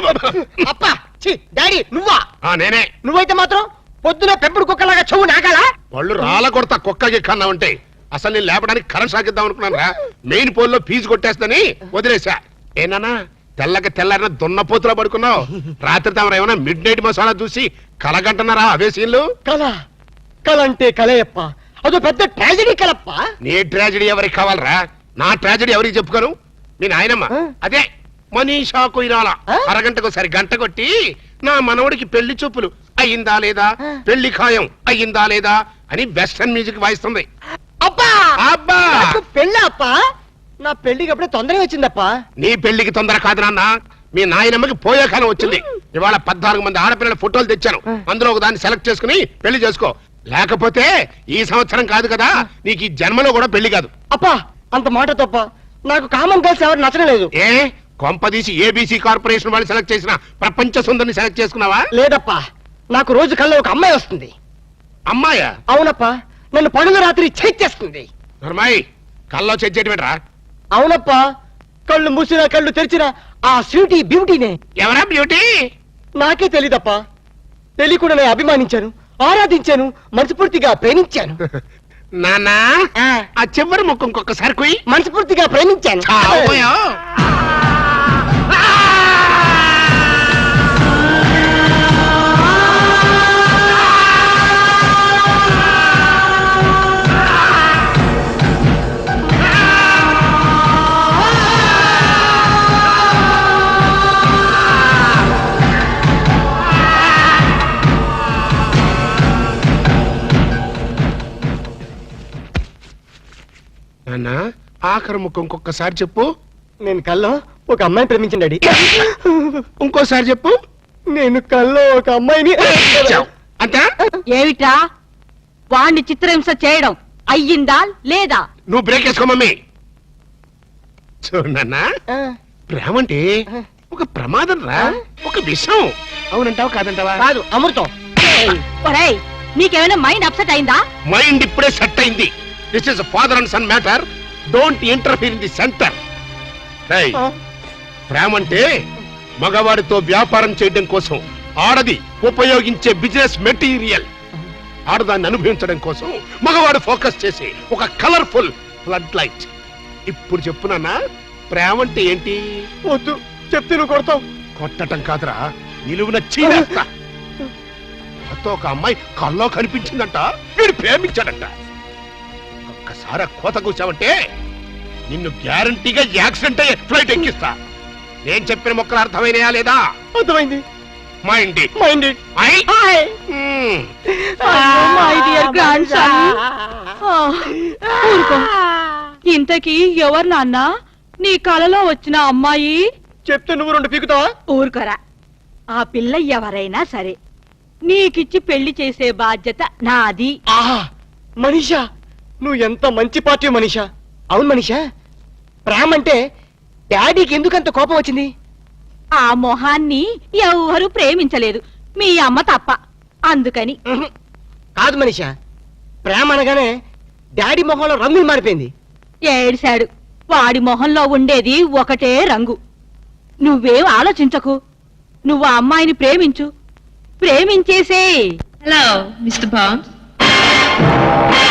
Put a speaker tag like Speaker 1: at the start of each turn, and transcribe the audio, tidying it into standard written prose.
Speaker 1: అప్పా డాడీ నువ్వా?
Speaker 2: నేనే.
Speaker 1: నువ్వైతే మాత్రం పొద్దున పెంపుడు కుక్కలాగా చెవు నాగాలా?
Speaker 2: వాళ్ళు రాళ్ళ కొడతా కుక్కకి కన్నా ఉంటే అసలు నేను లేపడానికి కరెంట్ సాగిద్దాం అనుకున్నాను రా. మెయిన్ పోల్ లో ఫీజు కొట్టేస్తని వదిలేసా. ఏనా తెల్లకి తెల్లారిన దున్నపోతులా పడుకున్నావు. రాత్రి తమరు ఏమైనా మిడ్ నైట్ మసాలా చూసి కలగంటున్నారా అవే సీన్లు?
Speaker 1: కల అంటే కలయప్ప, అదో పెద్ద ట్రాజడీ కలప్ప.
Speaker 2: నీ ట్రాజడీ ఎవరికి కావాలరా? నా ట్రాజడీ ఎవరికి చెప్పుకోను? మీ నాయనమ్మ అదే మనీషా కొయిరాల అరగంటకు సరి గంట కొట్టి నా మనవడికి పెళ్లి చూపులు అయ్యిందా లేదా, పెళ్లి ఖాయం అయ్యిందా లేదా అని వెస్టర్న్ మ్యూజిక్ వాయిస్తుంది.
Speaker 1: అబ్బా
Speaker 2: అబ్బా
Speaker 1: పెళ్ళి అప్ప, నా పెళ్లికి అప్పుడే తొందరగా వచ్చిందప్పా.
Speaker 2: నీ పెళ్లికి తొందర కాదు నాన్న, మీ నాయనమ్మకి పోయే కాలం వచ్చింది. ఇవాళ 14 మంది ఆడపిల్లల ఫోటోలు తెచ్చాను, అందులో ఒక దాన్ని సెలెక్ట్ చేసుకుని పెళ్లి చేసుకో. లేకపోతే ఈ సంవత్సరం కాదు కదా, నీకు ఈ జన్మలో కూడా పెళ్లి కాదు.
Speaker 1: అప్పా అంత మాట తప్ప, నాకు కామన్ గర్ల్స్ ఎవరు నచ్చడం లేదు.
Speaker 2: ఏ కొంపదీసి ఏబీసీ కార్పొరేషన్ వాళ్ళు సెలెక్ట్ చేసిన ప్రపంచ సుందరిని సెలెక్ట్ చేసుకున్నావా?
Speaker 1: లేదప్పా, నాకు రోజు కల్లో ఒక అమ్మాయి వస్తుంది.
Speaker 2: అమ్మాయా?
Speaker 1: అవునప్పా, నన్ను పనులు రాత్రి చేస్తుంది.
Speaker 2: నర్మాయి కల్లో చెయ్యటమేట్రా?
Speaker 1: అవునప్పా, కళ్ళు మూసినా కళ్ళు తెరిచినా ఆ స్వీటీ బ్యూటీనే.
Speaker 2: ఎవరా బ్యూటీ?
Speaker 1: నాకే తెలీదప్పా. తెలియకుండా నేను అభిమానించాను, ఆరాధించాను, మనస్ఫూర్తిగా ప్రేమించాను.
Speaker 2: నానా ఆ చివరి ముక్కు ఇంకొకసారి కుయ్.
Speaker 1: మనస్ఫూర్తిగా ప్రేమించాను.
Speaker 2: నాన్న ఆఖరి ముక్కు ఇంకొకసారి చెప్పు.
Speaker 1: నేను కల్లో ఒక అమ్మాయిని ప్రేమించండి డాడీ.
Speaker 2: ఇంకోసారి చెప్పు.
Speaker 1: నేను కల్లో ఒక అమ్మాయిని.
Speaker 2: అంతా
Speaker 3: ఏమిట్రా వాణ్ణి చిత్రహింస చేయడం అయ్యిందా లేదా?
Speaker 2: నువ్వు బ్రేక్ వేసుకో మమ్మీ. చూడన్నా, ప్రేమ అంటే ఒక ప్రమాదం రా, ఒక విషయం. అవునంటావా కాదంటావా?
Speaker 1: కాదు, అమృతం.
Speaker 3: ఒరేయ్, నీకేమైనా మైండ్ అప్సెట్ అయిందా?
Speaker 2: మైండ్ ఇప్పుడే సెట్ అయింది. This is father and son matter, don't interfere in the centre. ప్రేమ అంటే మగవాడితో వ్యాపారం చేయడం కోసం ఆడది ఉపయోగించే బిజినెస్ మెటీరియల్. ఆడదాన్ని అనుభవించడం కోసం మగవాడు ఫోకస్ చేసి ఒక కలర్ఫుల్ ఫ్లడ్ లైట్. ఇప్పుడు చెప్పునన్నా, ప్రేమ అంటే ఏంటి?
Speaker 1: వద్దు చెప్తే నువ్వు కొడతావు.
Speaker 2: కొట్టటం కాదురా, నిలువున చీరేస్తా. కొత్త ఒక అమ్మాయి కల్లో కనిపించిందంట, వీడు ప్రేమించాడంట. ఒక్కసారి కోత కూర్చావంటే నిన్ను గ్యారంటీగా యాక్సిడెంట్ అయ్యే ఫ్లైట్ ఎక్కిస్తా. నేను చెప్పిన మొక్కలు అర్థమైనయా లేదా?
Speaker 1: అర్థమైంది.
Speaker 2: మైండ్
Speaker 3: ఇంతకీ ఎవరు నాన్న నీ కలలో వచ్చిన అమ్మాయి?
Speaker 1: చెప్తే నువ్వు 2 పీకుతావా?
Speaker 3: ఊరుకోరా. ఆ పిల్ల ఎవరైనా సరే నీకిచ్చి పెళ్లి చేసే బాధ్యత నాది.
Speaker 1: మనీషా, నువ్వు ఎంత మంచి పార్టీ మనీషా. అవును మనీషా, ప్రేమ అంటే డాడీకి ఎందుకంత కోపం వచ్చింది?
Speaker 3: ఆ మొహాన్ని ఎవరు ప్రేమించలేదు, మీ అమ్మ తప్ప. అందుకని.
Speaker 1: కాదు మనీషా, ప్రేమ అనగానే డాడీ మొహంలో రంగులు మారిపోయింది.
Speaker 3: ఏడిశాడు. వాడి మొహంలో ఉండేది ఒకటే రంగు. నువ్వేం ఆలోచించకు, నువ్వు ఆ అమ్మాయిని ప్రేమించు, ప్రేమించేసే.
Speaker 4: Hello mister bond.